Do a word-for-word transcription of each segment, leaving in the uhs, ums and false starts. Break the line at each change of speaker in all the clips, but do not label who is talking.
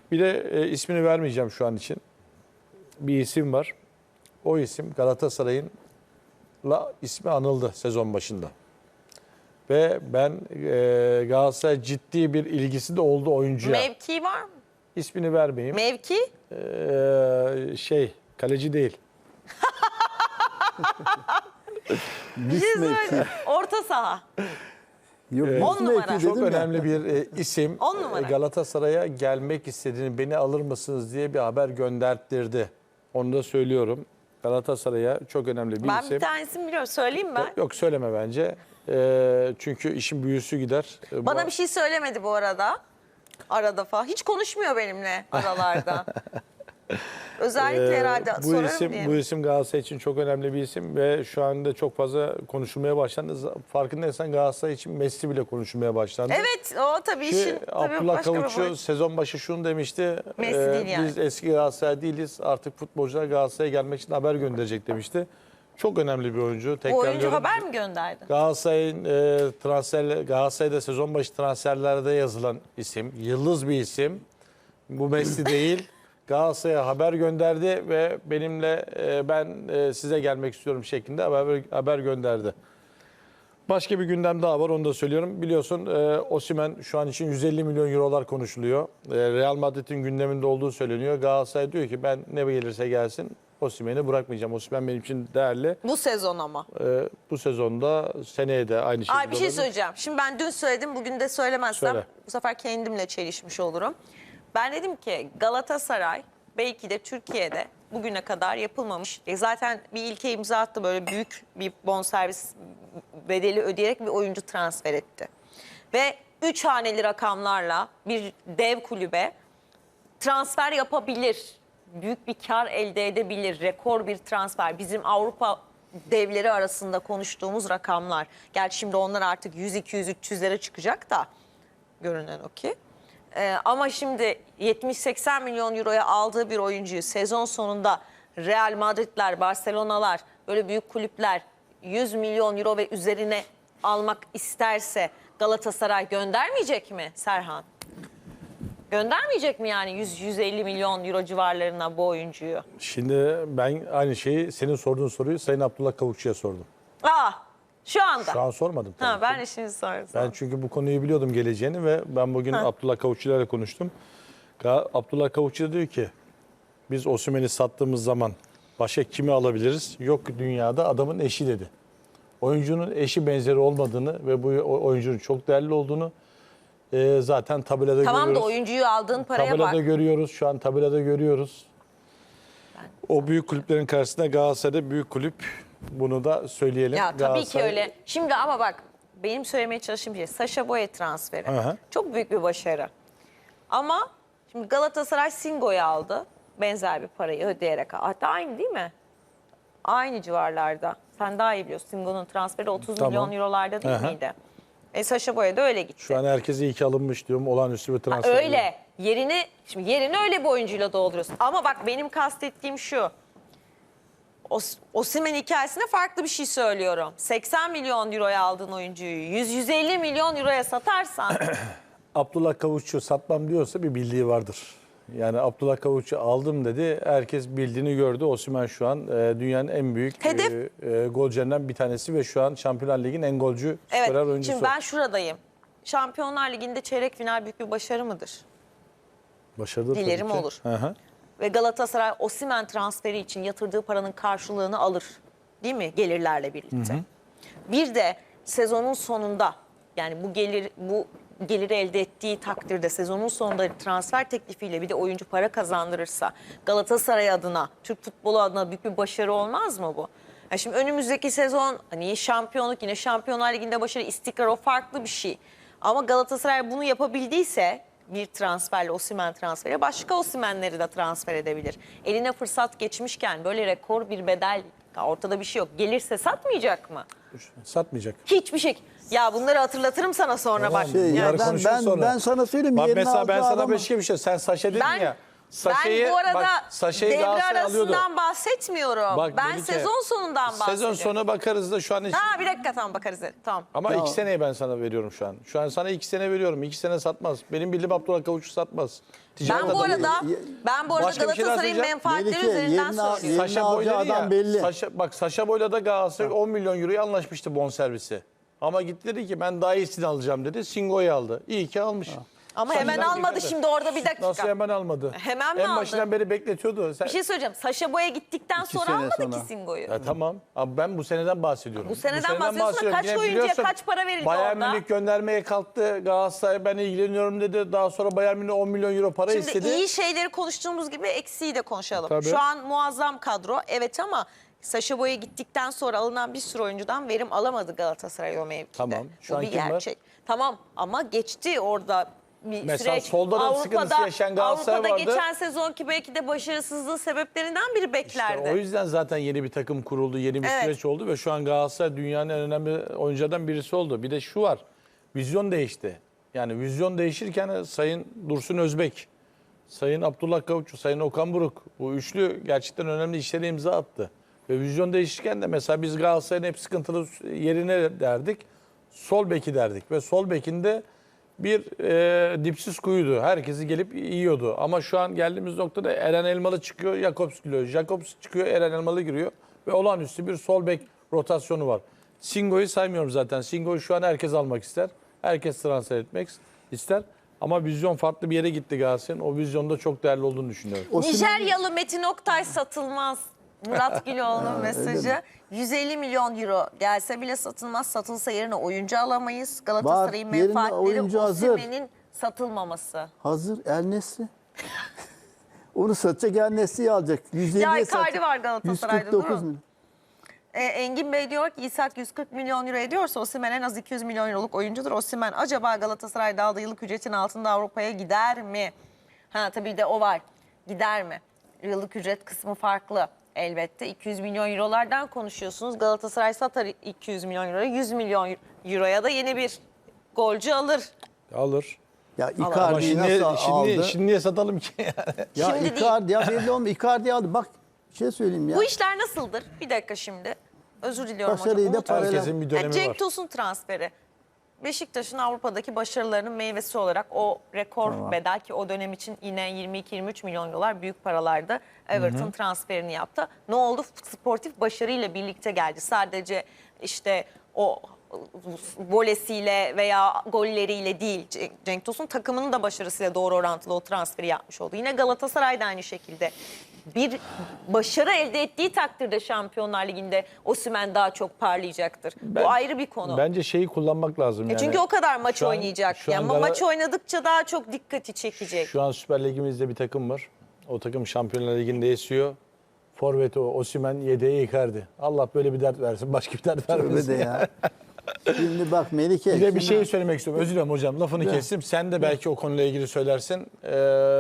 Bir de e, ismini vermeyeceğim şu an için. Bir isim var. O isim Galatasaray'ın la ismi anıldı sezon başında. Ve ben e, Galatasaray ciddi bir ilgisi de oldu oyuncuya.
Mevki var mı?
İsmini vermeyeyim.
Mevki?
Ee, şey, kaleci değil.
Bir şey söyleyeyim. Orta saha.
Yok,
Ee,
On numara.
Çok
dedim ya.
önemli bir e, isim.
On numara.
E, Galatasaray'a gelmek istediğini, beni alır mısınız diye bir haber gönderttirdi. Onu da söylüyorum. Galatasaray'a çok önemli bir
Ben
isim.
bir tanesini biliyorum. Söyleyeyim ben.
Yok söyleme bence. E, çünkü işin büyüsü gider. E, bu-
Bana bir şey söylemedi bu arada. Arada falan. Hiç konuşmuyor benimle aralarda. Özellikle
Ee,
herhalde
bu
sorarım
isim
diye.
bu isim Galatasaray için çok önemli bir isim ve şu anda çok fazla konuşulmaya başlandı. Farkındaysan Galatasaray için Messi bile konuşulmaya başlandı.
Evet, o tabii
Ki
işin tabii
Abdullah
başka bir
Kavukçu
boyut.
sezon başı şunu demişti.
Messi
e,
değil yani.
Biz eski Galatasaray değiliz. Artık futbolcular Galatasaray'a gelmek için haber gönderecek demişti. Çok önemli bir oyuncu.
Bu oyuncu
Tekrarlıyorum.
haber mi gönderdi?
Galatasaray'ın e, transfer Galatasaray'da sezon başı transferlerde yazılan isim. Yıldız bir isim. Bu Messi değil. Galatasaray'a haber gönderdi ve benimle e, ben e, size gelmek istiyorum şeklinde haber, haber gönderdi. Başka bir gündem daha var, onu da söylüyorum. Biliyorsun e, Osimhen şu an için yüz elli milyon eurolar konuşuluyor. E, Real Madrid'in gündeminde olduğu söyleniyor. Galatasaray diyor ki ben ne gelirse gelsin Osimhen'i bırakmayacağım. Osimhen benim için değerli.
Bu sezon ama.
E, bu sezonda seneye de aynı şekilde
Ay bir şey
olabilir.
söyleyeceğim. Şimdi ben dün söyledim, bugün de söylemezsem
Söyle.
bu sefer kendimle çelişmiş olurum. Ben dedim ki Galatasaray belki de Türkiye'de bugüne kadar yapılmamış. E zaten bir ilke imza attı, böyle büyük bir bonservis bedeli ödeyerek bir oyuncu transfer etti. Ve üç haneli rakamlarla bir dev kulübe transfer yapabilir. Büyük bir kar elde edebilir. Rekor bir transfer. Bizim Avrupa devleri arasında konuştuğumuz rakamlar. Gerçi şimdi onlar artık yüz, iki yüz, üç yüzlere çıkacak da görünen o ki. Ee, ama şimdi yetmiş seksen milyon euroya aldığı bir oyuncuyu sezon sonunda Real Madridler, Barcelona'lar, böyle büyük kulüpler yüz milyon euro ve üzerine almak isterse Galatasaray göndermeyecek mi Serhan? Göndermeyecek mi yani yüz yüz elli milyon euro civarlarına bu oyuncuyu?
Şimdi ben aynı şeyi senin sorduğun soruyu Sayın Abdullah Kavukçu'ya sordum.
Aa, şu anda.
Şu an sormadım tabii.
Ha,
ki.
ben de şimdi sordum.
Ben çünkü bu konuyu biliyordum geleceğini ve ben bugün
Ha.
Abdullah Kavukçu'yla konuştum. Ga- Abdullah Kavukçu da diyor ki biz Osimhen'i sattığımız zaman başka kimi alabiliriz? Yok dünyada adamın eşi dedi. Oyuncunun eşi benzeri olmadığını ve bu o- oyuncunun çok değerli olduğunu e, zaten tabelada
Tamam da
görüyoruz.
oyuncuyu aldığın paraya
Tabelada
bak.
görüyoruz. Şu an tabelada görüyoruz. O büyük kulüplerin karşısında Galatasaray'da büyük kulüp. Bunu da söyleyelim.
Ya tabii ki
Galatasaray-
öyle. Şimdi ama bak benim söylemeye çalıştığım şey Sacha Boey transferi.
Aha.
Çok büyük bir başarı. Ama şimdi Galatasaray Singo'yu aldı. Benzer bir parayı ödeyerek. Hatta aynı değil mi? Aynı civarlarda. Sen daha iyi biliyorsun. Singo'nun transferi otuz
Tamam.
milyon eurolarda değil
Aha.
miydi? E Sacha Boey de öyle gitti.
Şu an herkese iyi ki alınmış diyorum. Olağanüstü bir
Ha,
transfer.
öyle. Yerini şimdi yerini öyle bir oyuncuyla dolduruyorsun. Ama bak benim kastettiğim şu. Os Osimhen hikayesine farklı bir şey söylüyorum. seksen milyon euroya aldığın oyuncuyu yüz yüz elli milyon euroya satarsan
Abdullah Kavukçu satmam diyorsa bir bildiği vardır. Yani Abdullah Kavukçu aldım dedi. Herkes bildiğini gördü. Osimhen şu an e, dünyanın en büyük
Hedef.
e, e, golcülerinden bir tanesi ve şu an Şampiyonlar Ligi'nin en golcü
evet.
skorer oyuncusu.
Şimdi ben şuradayım. Şampiyonlar Ligi'nde çeyrek final büyük bir başarı mıdır?
Başarılı tabii
Dilerim
ki.
olur.
Hı hı.
Ve Galatasaray Osimhen transferi için yatırdığı paranın karşılığını alır. Değil mi? Gelirlerle birlikte. Hı hı. Bir de sezonun sonunda yani bu gelir bu geliri elde ettiği takdirde sezonun sonunda transfer teklifiyle bir de oyuncu para kazandırırsa Galatasaray adına, Türk futbolu adına büyük bir başarı olmaz mı bu? Yani şimdi önümüzdeki sezon hani şampiyonluk, yine Şampiyonlar Ligi'nde başarı, istikrar, o farklı bir şey. Ama Galatasaray bunu yapabildiyse bir transferle, Osimhen transferi, başka Osimhen'leri de transfer edebilir. Eline fırsat geçmişken böyle rekor bir bedel, ortada bir şey yok. Gelirse satmayacak mı?
Satmayacak.
Hiçbir şey. Ya bunları hatırlatırım sana sonra bak.
Tamam,
Şey,
bunları
ya ben,
konuşuruz
ben,
sonra.
ben sana söyleyeyim.
Bak
yerine
mesela ben
alacağı
sana
adamı-
başka bir şey. Sen Saşa dedin
Ben-
ya. Saşa'yı,
ben bu arada
bak, Saşa'yı
devre
Galatasaray alıyordu.
arasından bahsetmiyorum.
Bak,
ben
Melike,
sezon sonundan bahsediyorum.
Sezon sonu bakarız da şu an...
Ha bir dakika tamam bakarız. Tamam.
Ama
Tamam.
iki seneyi ben sana veriyorum şu an. Şu an sana iki sene veriyorum. İki sene satmaz. Benim bildiğim Abdullah Kavuç'u satmaz. Ticaret
Ben bu
adamı.
arada ben bu arada
Başka bir şey daha
Galatasaray'ın
söyleyeceğim.
menfaatleri
Melike,
üzerinden
yerine al-
söylüyorum.
yerine alacağı
Boy dedi
adam belli.
Saşa, bak Saşa Boy'la da Galatasaray on milyon euroya anlaşmıştı bonservisi. Ama gitti dedi ki ben daha iyisini alacağım dedi. Singo'yu aldı. İyi ki almış.
Ama
Saşa
hemen
dakika
almadı
da-
şimdi orada bir dakika.
Nasıl hemen almadı?
Hemen mi
En
aldı?
başından beri bekletiyordu. Sen...
Bir şey söyleyeceğim. Saşa Boy'a gittikten
İki
sonra
sene
almadı
sonra.
ki Singo'yu.
Ya tamam. Abi ben bu seneden bahsediyorum.
Bu seneden bahsediyorsun da
bahsediyorum.
kaç
Yine
oyuncuya
biliyorsun,
kaç para verildi
Bayern
orada?
Münih göndermeye kalktı. Galatasaray ben ilgileniyorum dedi. Daha sonra Bayern Münih on milyon euro para
Şimdi
istedi.
iyi şeyleri konuştuğumuz gibi eksiği de konuşalım.
Tabii.
Şu an muazzam kadro. Evet ama Saşa Boy'a gittikten sonra alınan bir sürü oyuncudan verim alamadı Galatasaray o mevkide.
Tamam. Şu
Bu
an
bir
kim var?
gerçek. Tamam ama geçti orada bir
Mesela
süreç.
solda da sıkıntısı yaşayan Galatasaray
Avrupa'da
vardı.
geçen sezonki belki de başarısızlığı sebeplerinden biri beklerdi.
İşte o yüzden zaten yeni bir takım kuruldu, yeni bir
Evet.
süreç oldu ve şu an Galatasaray dünyanın en önemli oyunculardan birisi oldu. Bir de şu var, vizyon değişti. Yani vizyon değişirken Sayın Dursun Özbek, Sayın Abdullah Kavuççu, Sayın Okan Buruk bu üçlü gerçekten önemli işlere imza attı. Ve vizyon değişirken de mesela biz Galatasaray'ın hep sıkıntılı yerine derdik, sol beki derdik ve sol bekinde bir e, dipsiz kuyuydu. Herkesi gelip yiyordu. Ama şu an geldiğimiz noktada Eren Elmalı çıkıyor, Jakobs giriyor. Jakobs çıkıyor, Eren Elmalı giriyor. Ve olağanüstü bir sol bek rotasyonu var. Singo'yu saymıyorum zaten. Singo'yu şu an herkes almak ister. Herkes transfer etmek ister. Ama vizyon farklı bir yere gitti Galatasaray'ın. O vizyonda çok değerli olduğunu düşünüyorum.
Osimhen-
Nijeryalı Metin Oktay satılmaz. Murat Güloğlu'nun mesajı. yüz elli milyon euro gelse bile satılmaz. Satılsa yerine oyuncu alamayız. Galatasaray'ın
Var, yerine
menfaatleri
oyuncu hazır.
Osimhen'in satılmaması.
Hazır El Nesri. Onu satacak El Nesri'yi alacak. yüz elliye
Ya Icardi
satacak.
var Galatasaray'da,
yüz kırk dokuz
değil mi?
milyon.
E, Engin Bey diyor ki İshak yüz kırk milyon euro ediyorsa Osimhen en az iki yüz milyon euroluk oyuncudur. Osimhen acaba Galatasaray'da aldığı yıllık ücretin altında Avrupa'ya gider mi? Ha tabii de o var. Gider mi? Yıllık ücret kısmı farklı. Elbette iki yüz milyon eurolardan konuşuyorsunuz. Galatasaray satar iki yüz milyon euroya, yüz milyon euroya da yeni bir golcü alır.
Alır.
Ya
Ama
Icardi'yi
şimdi,
nasıl
şimdi,
aldı?
şimdi niye satalım ki?
Ya
Şimdi değil.
Icardi ya belli olmuyor. Icardi aldı. Bak bir şey söyleyeyim ya.
Bu işler nasıldır? Bir dakika şimdi. Özür diliyorum
Başarıyı
hocam.
da
Unutmayın.
parayla-
Herkesin bir dönemi
Yani Cenk
var.
Tosun transferi. Beşiktaş'ın Avrupa'daki başarılarının meyvesi olarak o rekor
Tamam.
bedel ki o dönem için yine yirmi iki yirmi üç milyon dolar büyük paralarda Everton transferini yaptı. Ne oldu? Sportif başarıyla birlikte geldi. Sadece işte o volesiyle veya golleriyle değil. Cenk- Cenk Tosun takımının da başarısıyla doğru orantılı o transferi yapmış oldu. Yine Galatasaray da aynı şekilde. Bir başarı elde ettiği takdirde Şampiyonlar Ligi'nde Osimhen daha çok parlayacaktır.
Ben-
Bu ayrı bir konu.
Bence şeyi kullanmak lazım.
E
yani.
çünkü o kadar maç
Şu an-
oynayacak.
şu an
Yani
Gala-
maç oynadıkça daha çok dikkati çekecek.
Şu an Süper Ligimizde bir takım var. O takım Şampiyonlar Ligi'nde esiyor. Forvet o, Osimhen, yedeği Icardi. Allah böyle bir dert versin, başka bir dert
Tövbe
vermesin.
de ya. Şimdi bak Melike.
Bir de bir
şimdi-
şey söylemek istiyorum. Özür dilerim hocam. Lafını
Ya.
kestim. Sen de belki o konuyla ilgili söylersin. Ee,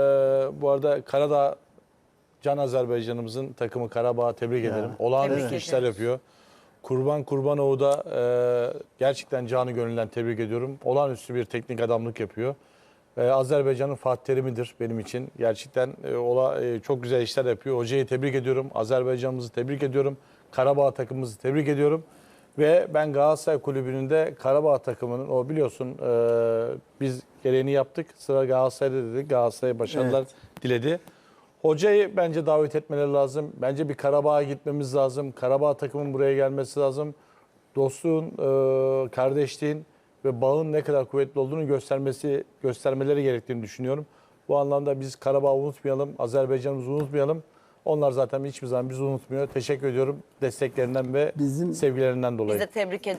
bu arada Karadağ Can Azerbaycan'ımızın takımı Karabağ'a tebrik
Ya.
ederim. Olağanüstü
Tebrik
işler
ediyoruz.
yapıyor. Kurban Kurbanoğlu da e, gerçekten canı gönülden tebrik ediyorum. Olağanüstü bir teknik adamlık yapıyor. E, Azerbaycan'ın Fatih Terim'idir benim için. Gerçekten e, ola, e, çok güzel işler yapıyor. Hocayı tebrik ediyorum. Azerbaycan'ımızı tebrik ediyorum. Karabağ takımımızı tebrik ediyorum. Ve ben Galatasaray Kulübü'nün de Karabağ takımının o biliyorsun e, biz gereğini yaptık. Sıra Galatasaray'da dedik. Galatasaray'a başarılar
Evet.
diledi. Hocayı bence davet etmeleri lazım. Bence bir Karabağ'a gitmemiz lazım. Karabağ takımın buraya gelmesi lazım. Dostluğun, e, kardeşliğin ve bağın ne kadar kuvvetli olduğunu göstermesi, göstermeleri gerektiğini düşünüyorum. Bu anlamda biz Karabağ'ı unutmayalım, Azerbaycan'ımızı unutmayalım. Onlar zaten hiçbir zaman bizi unutmuyor. Teşekkür ediyorum desteklerinden ve
Bizim-
sevgilerinden dolayı.
Biz de tebrik